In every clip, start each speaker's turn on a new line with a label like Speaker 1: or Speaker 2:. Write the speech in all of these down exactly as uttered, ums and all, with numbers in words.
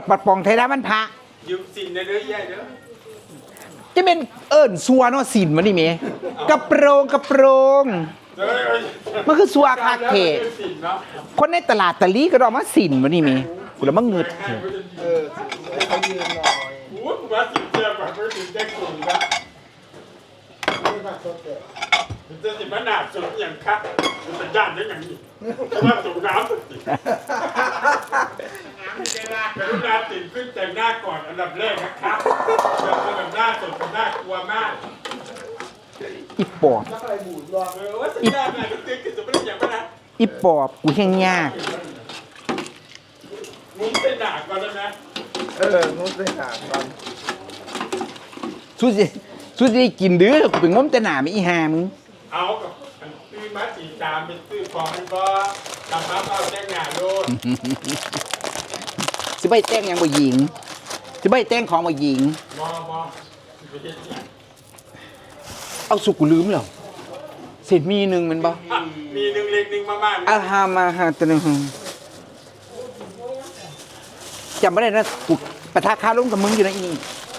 Speaker 1: ปัดปองไทยดามันพระ
Speaker 2: ยืมสินในเรื่องใหญ่เด้อ
Speaker 1: จะเป็นเอิญซัวเนาะสินมันนี่เมกระโปรงกระโปรง
Speaker 2: เด้อ
Speaker 1: มันคือซัวคาเข
Speaker 2: สินเนาะ
Speaker 1: คนในตลาดตะลีก็รอมาสินมันนี่เมกูแล้วมันเงิด
Speaker 3: เออให้เขายืนหน่อย
Speaker 2: โอ้ยกูว่าสินเจียกว่าไม่สินแจ้งกลุ่มนะ
Speaker 3: นี่มาสดเด็ด
Speaker 2: มันจะสิมันหนาสุดอย่างคักมันเป็นย่านได้อย่างนี้เพราะว่าสูงน้ำสุดกรุณาตื่นขึ้นแต่งหน้าก่อนอันดับแรกนะครับแบบหน้าสดกับหน้ากลัวมาก
Speaker 1: อีปอบ
Speaker 3: แล้วอะไรบูดรอ
Speaker 2: เออว่าสัญญาณอะไรก็ตื่นขึ้นจะไม่ได้อย่างนั้นนะ
Speaker 1: อีปอบกูแห้งยาก
Speaker 2: มุ้งเส้นหนาก่อนแล้วนะ
Speaker 3: เออนู้นเลยหาก่อน
Speaker 1: สู้สิสู้สิได้กินเด้อกูเป็นง้มแต่หนาไม่อีหามึง
Speaker 2: เอากับซื้อมาสีตามเป็นซื้อฟองมันก็ทำมาเอาแจ้งงานโดน
Speaker 1: สิใบแต่งหยังบ่หญิงสิใบแต่งของบ่หญิง
Speaker 2: มอมอไม่ใช่เนี่ย
Speaker 1: เอาสุกูลืมแล้วเสร็จมีหนึ่งแมันบ่
Speaker 2: มีหนึ่งเล็กหนึ่งมากๆ
Speaker 1: อาฮามาฮาตะนึงจำไม่ได้นะกูปะทะคาล้มกับมึงอยู่นะอีนี่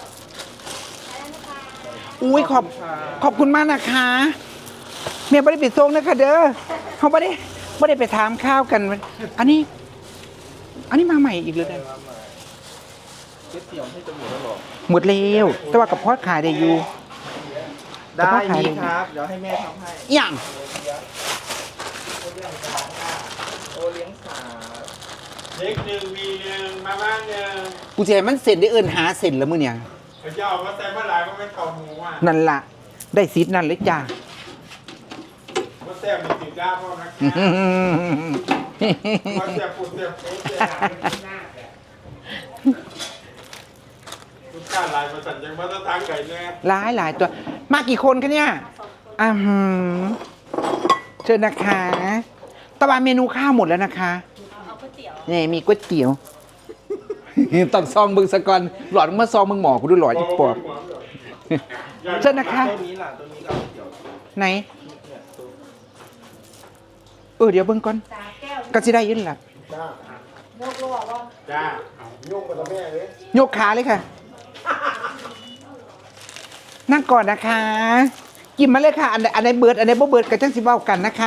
Speaker 1: อุ้ยขอบขอบคุณมากนะคะเมียไม่ได้ไปส่งนะคะเด้อเขาไม่ได้ไม่ได้ไปถามข้าวกัน อันนี้ อันนี้มาใหม่อีกเลยนะ
Speaker 3: เก็บเสี่ยวให้จมูกแล้วหรอ
Speaker 1: หมดแล้วแต่ว่ากับพอดขายได้อยู่
Speaker 3: ได้มีครับเดี๋ยวให้แม่ทำให้
Speaker 1: อย่าง
Speaker 3: โอเลี้ยงสา
Speaker 2: เล็กหนึ่งมีหนึ่งมาม่าหนึ่ง
Speaker 1: กูจะให้มันเสร็จได้เอินหาเสร็จแล้วมึงเนี่ย
Speaker 2: เขาจะเอามาใส่เมื่อไหร่มันเป็นเข่าหมูอ่ะ
Speaker 1: นั่นล่ะ ได้ซีดนั่นเลยจ้า
Speaker 2: มาแซ่บมีสีด้าพ่อนะมาแซ่บปูแซ่บปูแซ่บลูกค้าลายมาสั่นยังมาตะทางไก่แน่
Speaker 1: หลายหลายตัว มากี่คนกันเนี่ยอ่าหืมเชิญนะคะตะวันเมนูข้าวหมดแล้วนะคะนี่มีก๋วยเตี๋ยว ต้องซองมึงสะก่อนหลอดมึงมาซองมึงหมอกูดูหลอดอีกปอบเชิญนะคะ
Speaker 3: ตัวนี้ล่ะตัวนี้ก็เดี๋ยว
Speaker 1: ไหน
Speaker 3: เนี่ยตัว
Speaker 1: เออเดี๋ยวเบิ่งก่อนก็สิได้ยินล่ะ
Speaker 3: จ้า
Speaker 2: จ้า
Speaker 3: ยุ่งกับแม่เลย
Speaker 1: ยกขาเลยค่ะ นั่งก่อนนะคะ กินมาเลยค่ะ อันใดอันไหนเบิดอันไหนบ่เบิดก็จังสิเว้ากันนะคะ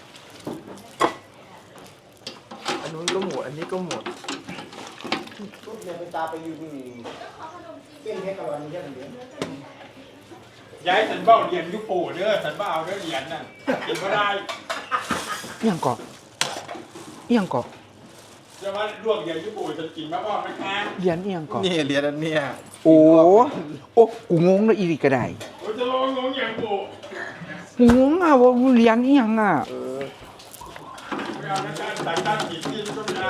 Speaker 3: อันนู้นก็หมดอันนี้ก็หมดทุกเนี่ยไปตาไปอยู่นี่เส้นให้กับวันนี้แค่ไหน
Speaker 2: ย้ายสันเบ้าเหรียญยุปูเด้อสันเบ้าเอาเด้อเหรียญน่ะกินก็ได้
Speaker 1: เอียงกอกเอียงกอก
Speaker 2: จะว่าลวกเหรียญยุปูจะกินมาบ้างไหมคะ
Speaker 1: เรียนเอียงกอก
Speaker 3: นี่เรียนอันเนี้ย
Speaker 1: โอ้โอ้กูงงเลยอีกก็ได้
Speaker 2: โอ้จะลองงงอย่างปู
Speaker 1: กูงงอ่ะว่าเรียนเอียงอ่ะ
Speaker 3: เออ
Speaker 2: ไม่เอานะจ๊ะสายตั้งกินที่ก็ไม่เอา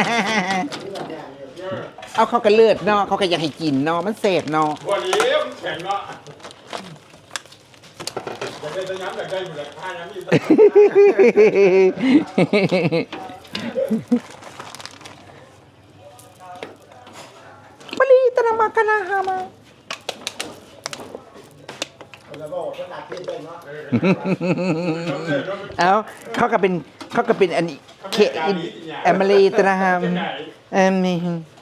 Speaker 2: เออ
Speaker 1: เอาเขาก็เลือดเนาะเขาก็อยากให้กินเนาะมันเสพเนาะ
Speaker 2: บัวเลี้ยวแข็งเนาะอยากได้ตะย้ำอยากได้อยู่แหละข้าย้ำอยู่
Speaker 1: มะลีตะนามากะนาฮามา
Speaker 3: แล้วก็ขนาดที่เป็นเนาะ
Speaker 1: เอาเขาก็เป็นเขาก็เป็นอันนี้เคอินแอมลีตะนาฮามแอมนี่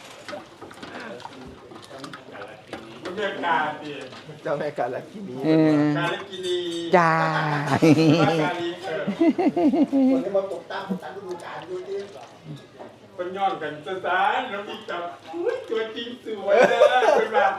Speaker 2: มันเรียกการดิ
Speaker 3: เจ้าแม่กาลกินี
Speaker 1: เออ
Speaker 2: การกินี
Speaker 1: จ้า
Speaker 2: การลีเออ
Speaker 3: คนที่มาตกตั้งตกตั้งฤดูกาลดูดิ
Speaker 2: เป็นย้อนกันซะซะแล้วพี่จับอุ้ยตัวจริงสวยเลยเป็นแบบ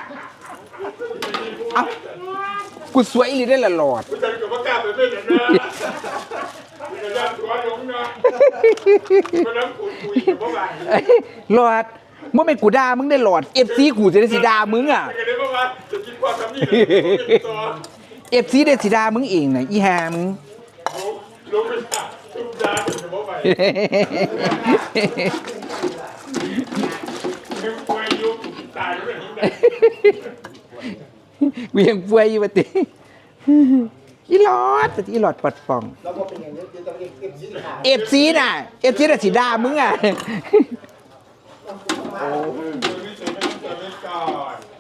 Speaker 1: เอ้ากูสวยอีหรือได้ละหลอด
Speaker 2: ผู้ชายกับว่ากล้าไปเล่นอย่างนั้นกระยานตัวลงนะก็น้ำคุยคุยกับว่า
Speaker 1: เอ้ยหลอดเมื่อไม่กูด่ามึงได้หลอดเอฟซีกูจะได้สีด่ามึงอ่ะ
Speaker 2: ก็เลยว่าจะกินความทำนี่เลยตัว
Speaker 1: เอฟซีได้สีด่ามึงเองน่ะอีหามึง
Speaker 2: ลงไปทุบดาจะบอกไปไม่ควรยุบตายด้วยนี่
Speaker 1: กูยังป่วยอยู่ปะติอีหลอดปะติอีหลอดปัดป่อง
Speaker 3: แล้วก็เป็นอย่างนี้จะต้องเก็บเก็บชิ้นหา
Speaker 1: เอฟซีน่ะเอฟซีน่ะสีด่ามึงอ่ะ
Speaker 2: โอ้ยไม่ใช่ไม่ต้องไม่ก่อน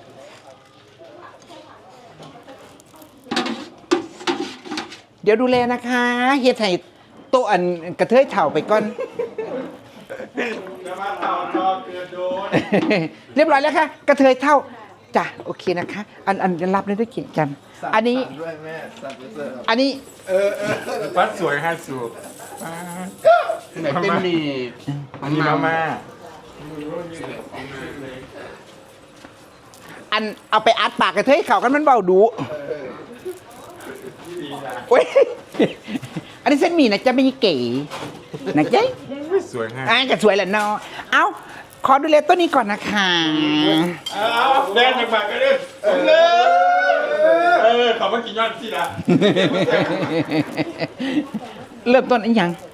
Speaker 1: เดี๋ยวดูแลนะคะเฮ็ดให้โตะอันกระเทยเถ่าไปก่อน
Speaker 2: จะมาต่อรอเกิดโดน
Speaker 1: เรียบร้อยแล้วค่ะกระเทยเท่าจ้ะโอเคนะคะ อันอันรับเลยด้วยเกียรติกัน อันนี้
Speaker 3: สั่งด้วยแม่สั่งไปเสิร์ฟ
Speaker 1: อันนี้
Speaker 2: ปัดสวยห้าสูบ
Speaker 3: ไหนเป็นหนี่
Speaker 2: อันนี้มาม่า
Speaker 1: อันเอาไปอัดปากกระเทยเข่ากันมันเบาดูโอ้ยอันนี้เส้นหมี่นะจ๊ะไม่ใช่เก๋นะจ๊ะ
Speaker 2: สวยห้า
Speaker 1: อ่ะจะสวยแหละเนาะเอาขอดูแลต้นนี้ก่อนนะคะ
Speaker 2: เอาแดนหนักๆกันเลยเออเขามากินยอดสิละ
Speaker 1: เริ่มต้นอันยัง